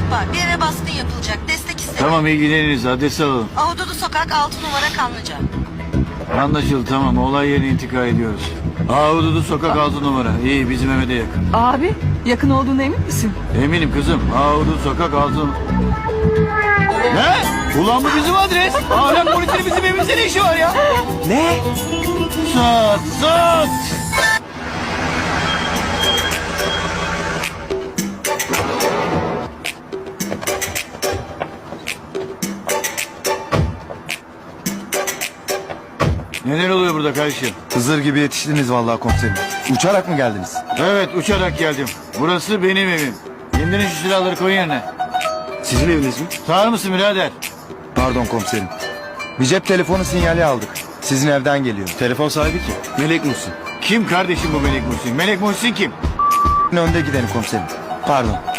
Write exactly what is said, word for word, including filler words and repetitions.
ihbar. Bir eve baskın yapılacak. Destek istedim. Tamam ilgileniriz. Adresi alalım. Ahududu Sokak altı numara Kanlıca. Anlaşıldı tamam. Olay yerine intikal ediyoruz. Ahududu sokak altı numara. İyi bizim eve de yakın. Abi yakın olduğuna emin misin? Eminim kızım. Ahududu sokak altı numara. Ne? Ulan bu bizim adres. Ahlak polisinin bizim evimizde ne işi var ya? Ne? Sat sat. Neler oluyor burada kardeşim? Hızır gibi yetiştiniz vallahi komiserim. Uçarak mı geldiniz? Evet uçarak geldim. Burası benim evim. İndirin şu silahları koyun yerine. Sizin eviniz mi? Sağır mısın birader? Pardon komiserim. Bir cep telefonu sinyali aldık. Sizin evden geliyor. Telefon sahibi kim? Melek Muhsin. Kim kardeşim bu Melek Muhsin? Melek Muhsin kim? Önde gideni komiserim. Pardon.